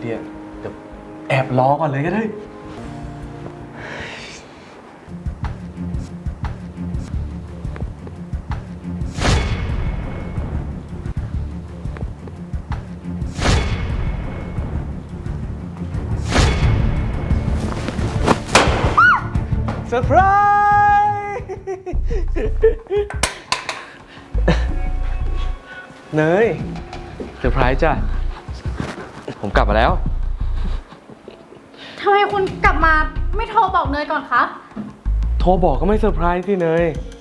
ดียเดี๋ยวแอบรอก่อนเลยก็ได้เซอร์ไพรส์เนยเซอร์ไพรส์จ้ะผมกลับมาแล้วทำไมคุณกลับมาไม่โทรบอกเนยก่อนคะโทรบอกก็ไม่เซอร์ไพรส์สิเนย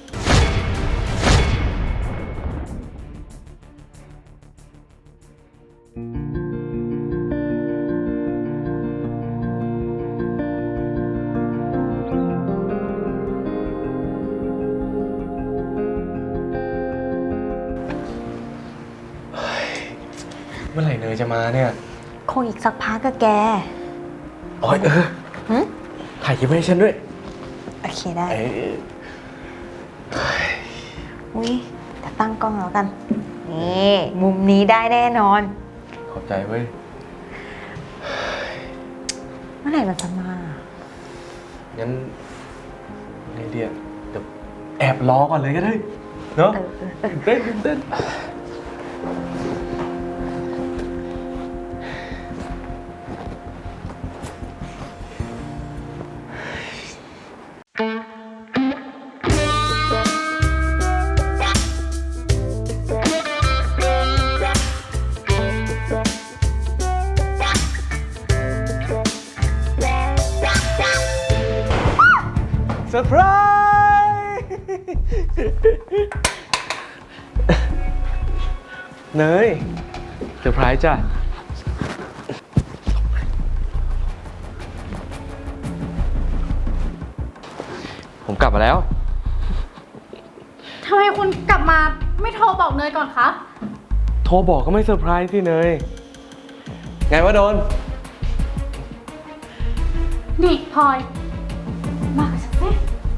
เมื่อไหร่เนยจะมาเนี่ยคงอีกสักพักก็แกอ๋อถ่ายคลิปให้ฉันด้วยโอเคได้อุ้ยแต่ตั้งกล้องแล้วกันนี่มุมนี้ได้แน่นอนขอบใจเว้ยเมื่อไหร่มันจะมางั้นไงเดียเดี๋ยวแอบรอก่อนเลยก็ได้เนาะเต้นเซอร์ไพรส์เนยเซอร์ไพรส์จ้ะผมกลับมาแล้วทำไมคุณกลับมาไม่โทรบอกเนยก่อนคะโทรบอกก็ไม่เซอร์ไพรส์สิเนยไงวะโดนนี่พลอยมากับฉันสิ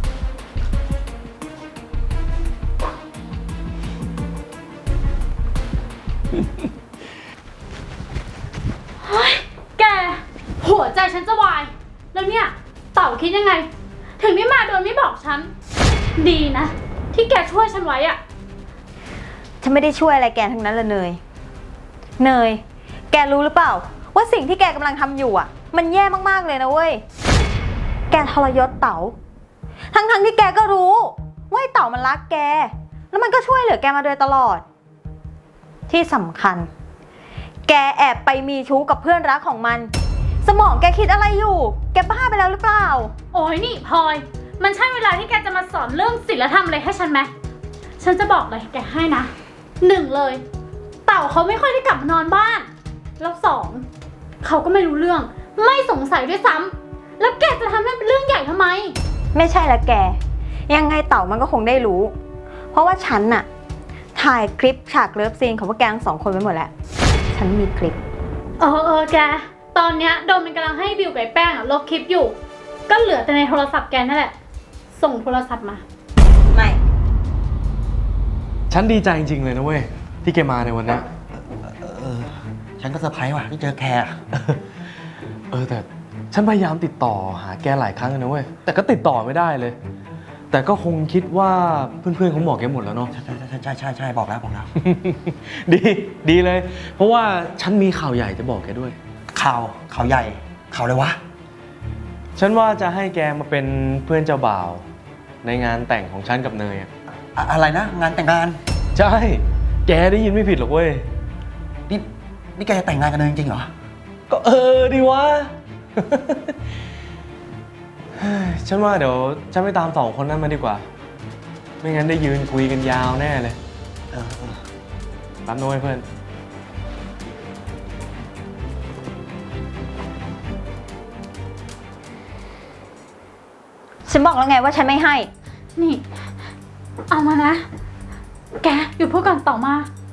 เฮ้ยแกหัวใจฉันจะวายแล้วเนี่ยเต่าคิดยังไงถึงไม่มาโดยไม่บอกฉันดีนะที่แกช่วยฉันไว้อะฉันไม่ได้ช่วยอะไรแกทั้งนั้นเลยเนยแกรู้หรือเปล่าว่าสิ่งที่แกกำลังทำอยู่อ่ะมันแย่มากๆเลยนะเว้ยแกทรยศเต๋าทั้งที่แกก็รู้ว่าเต๋ามันรักแกแล้วมันก็ช่วยเหลือแกมาโดยตลอดที่สำคัญแกแอบไปมีชู้กับเพื่อนรักของมันสมองแกคิดอะไรอยู่แกบ้าไปแล้วหรือเปล่าโอ้ยนี่พลอยมันใช่เวลาที่แกจะมาสอนเรื่องศีลธรรมอะไรให้ฉันไหมฉันจะบอกเลยแกให้นะ1เลยเต่าเขาไม่ค่อยได้กลับมานอนบ้านแล้ว2เขาก็ไม่รู้เรื่องไม่สงสัยด้วยซ้ำแล้วแกจะทำให้เป็นเรื่องใหญ่ทำไมไม่ใช่ละแกยังไงเต่ามันก็คงได้รู้เพราะว่าฉันน่ะถ่ายคลิปฉากเลิฟซีนของพวกแกทั้ง2 คนไว้หมดแล้วฉันมีคลิปแกตอนเนี้ยโดมมันกำลังให้บิวกับแป้งลบคลิปอยู่ก็เหลือแต่ในโทรศัพท์แกนั่นแหละส่งโทรศัพท์มาไม่ฉันดีใจจริงๆเลยนะเว้ยที่แกมาในวันนี้ฉันก็เซอร์ไพรส์ว่ะที่เจอแกแต่ฉันพยายามติดต่อหาแกหลายครั้งเลยนะเว้ยแต่ก็ติดต่อไม่ได้เลยแต่ก็คงคิดว่าเพื่อนๆเขาบอกแกหมดแล้วเนาะใช่บอกแล้วดีเลยเพราะว่าฉันมีข่าวใหญ่จะบอกแกด้วยข่าวใหญ่ข่าวอะไรวะฉันว่าจะให้แกมาเป็นเพื่อนเจ้าบ่าวในงานแต่งของฉันกับเนยอะไรนะงานแต่งงานใช่แกได้ยินไม่ผิดหรอกเว้ยนี่แกจะแต่งงานกันเลยจริงเหรอก็ดีวะ ฉันว่าเดี๋ยวฉันไปตาม2 คนนั้นมาดีกว่าไม่งั้นได้ยืนคุยกันยาวแน่เลยตามโน้ยเพื่อนฉันบอกแล้วไงว่าฉันไม่ให้นี่เอามานะแกอยู่พูดก่อนต่อมา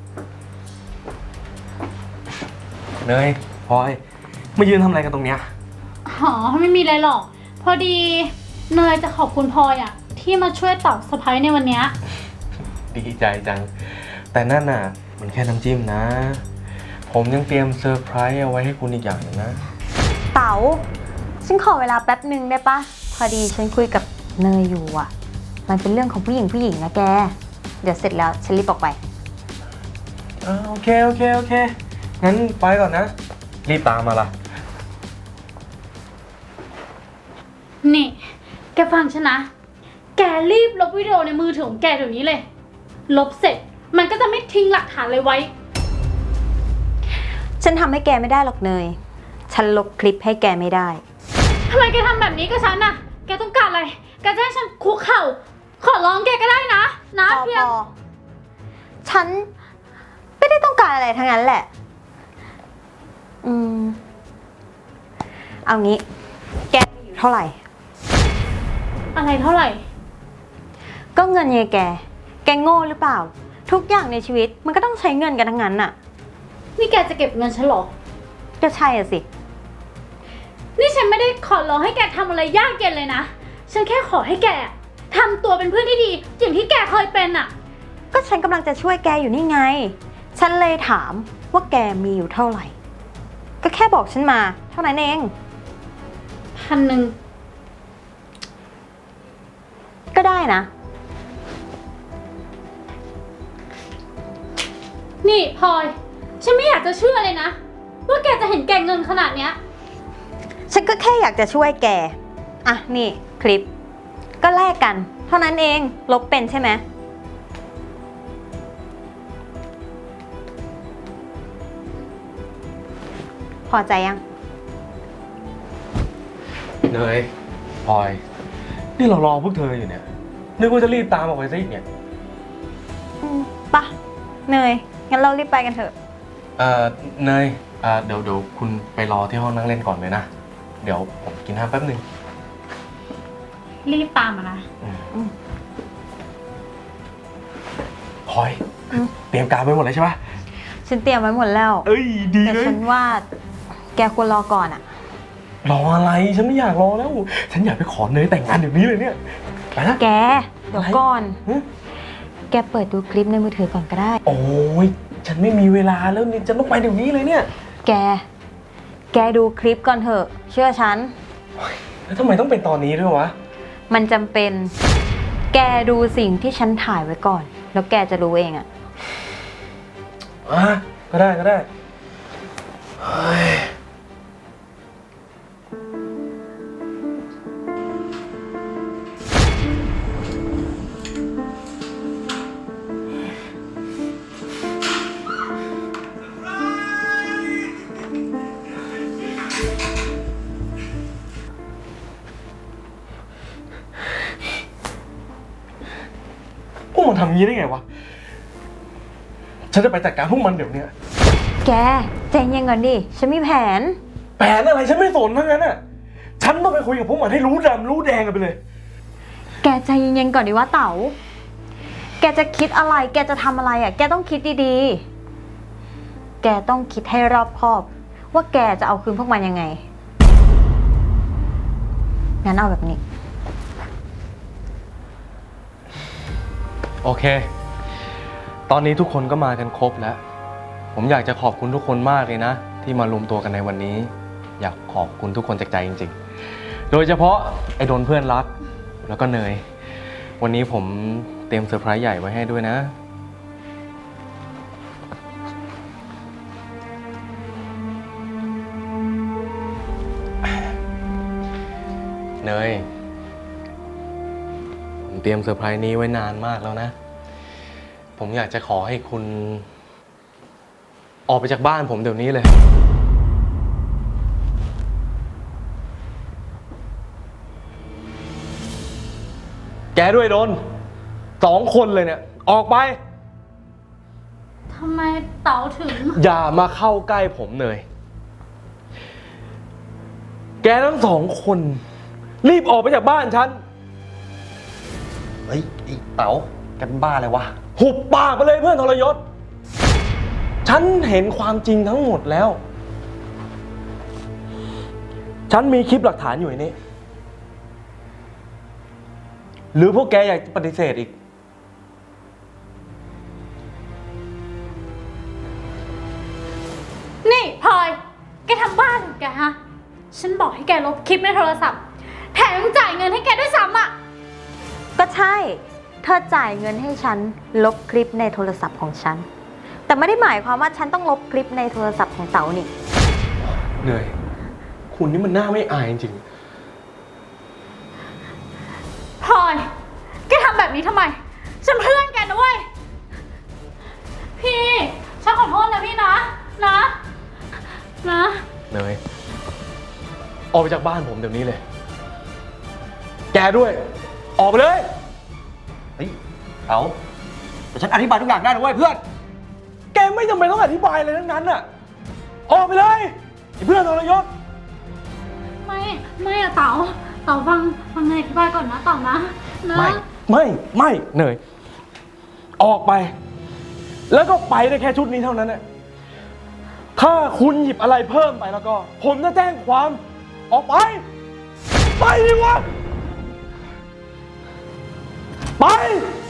เนยพลอยมายืนทำอะไรกันตรงเนี้ยไม่มีอะไรหรอกพอดีเนยจะขอบคุณพลอยที่มาช่วยเต่าสะพ้ายในวันนี้ดีใจจังแต่นั่นน่ะมันแค่น้ำจิ้มนะพผมยังเตรียมเซอร์ไพรส์เอาไว้ให้คุณอีกอย่างหนึงนะเต๋าฉันขอเวลาแป๊บหนึ่งได้ปะพอดีฉันคุยกับเนยอยู่อ่ะ มันเป็นเรื่องของผู้หญิงนะแก เดี๋ยวเสร็จแล้วฉันรีบออกไปโอเค งั้นไปก่อนนะ รีบตามมาล่ะนี่ แกฟังฉันนะ แกรีบลบวิดีโอในมือถือของแกเดี๋ยวนี้เลย ลบเสร็จมันก็จะไม่ทิ้งหลักฐานเลยไว้ฉันทำให้แกไม่ได้หรอกเนย ฉันลบคลิปให้แกไม่ได้ทำไมแกทำแบบนี้กับฉันน่ะ แกต้องการอะไร แกจะให้ฉันคุกเข่า ขอร้องแกก็ได้นะ เพียงพอฉันไม่ได้ต้องการอะไรทั้งนั้นแหละ เอางี้ แกมีอยู่เท่าไหร่อะไรเท่าไหร่ก็เงินไงแกโง่หรือเปล่า ทุกอย่างในชีวิตมันก็ต้องใช้เงินกันทั้งนั้นน่ะนี่แกจะเก็บเงินฉันเหรอก็ใช่อะสินี่ฉันไม่ได้ขอร้องให้แกทำอะไรยากเย็นเลยนะ ฉันแค่ขอให้แกทำตัวเป็นเพื่อนที่ดี อย่างที่แกเคยเป็นอะก็ฉันกำลังจะช่วยแกอยู่นี่ไง ฉันเลยถามว่าแกมีอยู่เท่าไหร่ ก็แค่บอกฉันมาเท่านั้นเอง 1,000 ก็ได้นะนี่พลอย ฉันไม่อยากจะเชื่อเลยนะ ว่าแกจะเห็นแก่เงินขนาดเนี้ยฉันก็แค่อยากจะช่วยแก อ่ะนี่คลิป ก็แลกกัน เท่านั้นเอง ลบเป็นใช่ไหม พอใจยังเนยพลอย นี่เรารอพวกเธออยู่เนี่ย นึกว่าจะรีบตามออกไปซะอีกเนี่ยปะเนย งั้นเรารีบไปกันเถอะเนยเดี๋ยวคุณไปรอที่ห้องนั่งเล่นก่อนเลยนะ เดี๋ยวผมกินน้ำแป๊บนึงรีบตามมานะพลอยอืมเตรียมการไว้หมดเลยใช่ปะฉันเตรียมไว้หมดแล้วเอ้ย ดีแต่เลยฉันว่า แกควรรอก่อนอะรออะไร ฉันไม่อยากรอแล้ว ฉันอยากไปขอเนยแต่งงานเดี๋ยวนี้เลยเนี่ย ไปนะแก เดี๋ยวก่อนหึแกเปิดดูคลิปในมือถือก่อนก็ได้โอ้ย ฉันไม่มีเวลาแล้วนี่ฉันต้องไปเดี๋ยวนี้เลยเนี่ยแกดูคลิปก่อนเถอะ เชื่อฉันแล้วทำไมต้องเป็นตอนนี้ด้วยวะมันจำเป็น แกดูสิ่งที่ฉันถ่ายไว้ก่อน แล้วแกจะรู้เองอะก็ได้เฮ้ยพวกมันทำงี้ได้ไงวะ ฉันจะไปจัดการพวกมันเดี๋ยวนี้แกใจเย็นก่อนดิ ฉันมีแผนแผนอะไรฉันไม่สนทั้งนั้นอ่ะ ฉันต้องไปคุยกับพวกมันให้รู้ดำรู้แดงกันไปเลยแกใจเย็นๆก่อนดิว่าเต๋า แกจะคิดอะไร แกจะทำอะไรอะแกต้องคิดดีๆ แกต้องคิดให้รอบคอบ ว่าแกจะเอาคืนพวกมันยังไง งั้นเอาแบบนี้โอเค ตอนนี้ทุกคนก็มากันครบแล้ว ผมอยากจะขอบคุณทุกคนมากเลยนะ ที่มารวมตัวกันในวันนี้ อยากขอบคุณทุกคนจากใจจริงๆ โดยเฉพาะไอ้โดนเพื่อนรัก แล้วก็เนย วันนี้ผมเตรียมเซอร์ไพรส์ใหญ่ไว้ให้ด้วยนะ เนย ผมเตรียมเซอร์ไพรส์นี้ไว้นานมากแล้วนะ ผมอยากจะขอให้คุณ ออกไปจากบ้านผมเดี๋ยวนี้เลย แกด้วยโดน 2 คนเลยเนี่ย ออกไปทำไมเต๋าถึงอย่ามาเข้าใกล้ผมเลย แกทั้ง2 คน รีบออกไปจากบ้านฉันเฮ้ยไอ้เต๋าแกเป็นบ้าอะไรวะหุบปากไปเลยเพื่อนทรยศ ฉันเห็นความจริงทั้งหมดแล้ว ฉันมีคลิปหลักฐานอยู่ในนี้ หรือพวกแกอยากปฏิเสธอีกพทำบ้านของแกฮะ ฉันบอกให้แกลบคลิปในโทรศัพท์ แถมยังจ่ายเงินให้แกด้วยซ้ำอ่ะก็ใช่ เธอจ่ายเงินให้ฉันลบคลิปในโทรศัพท์ของฉัน แต่ไม่ได้หมายความว่าฉันต้องลบคลิปในโทรศัพท์ของเต๋านี่เหนื่อย คุณนี่มันหน้าไม่อายจริงพลอย แกทำแบบนี้ทำไม ฉันเพื่อนแกนะเว้ย พี่ ฉันขอโทษนะพี่นะ นะๆเหนื่อย ออกไปจากบ้านผมเดี๋ยวนี้เลย แกด้วย ออกไปเลยเฮ้ย เต๋าแต่ฉันอธิบายทุกอย่างได้นะเว้ยเพื่อนแกไม่จำเป็นต้องอธิบายอะไรทั้งนั้นน่ะ ออกไปเลยไอ้เพื่อนทรยศไม่อะเต๋าฟังเนยอธิบายก่อนนะเต๋านะไม่เหนื่อย ออกไป แล้วก็ไปได้แค่ชุดนี้เท่านั้นน่ะถ้าคุณหยิบอะไรเพิ่มไปแล้วก็ ผมจะแจ้งความ ออกไป ไปดิวะ ไป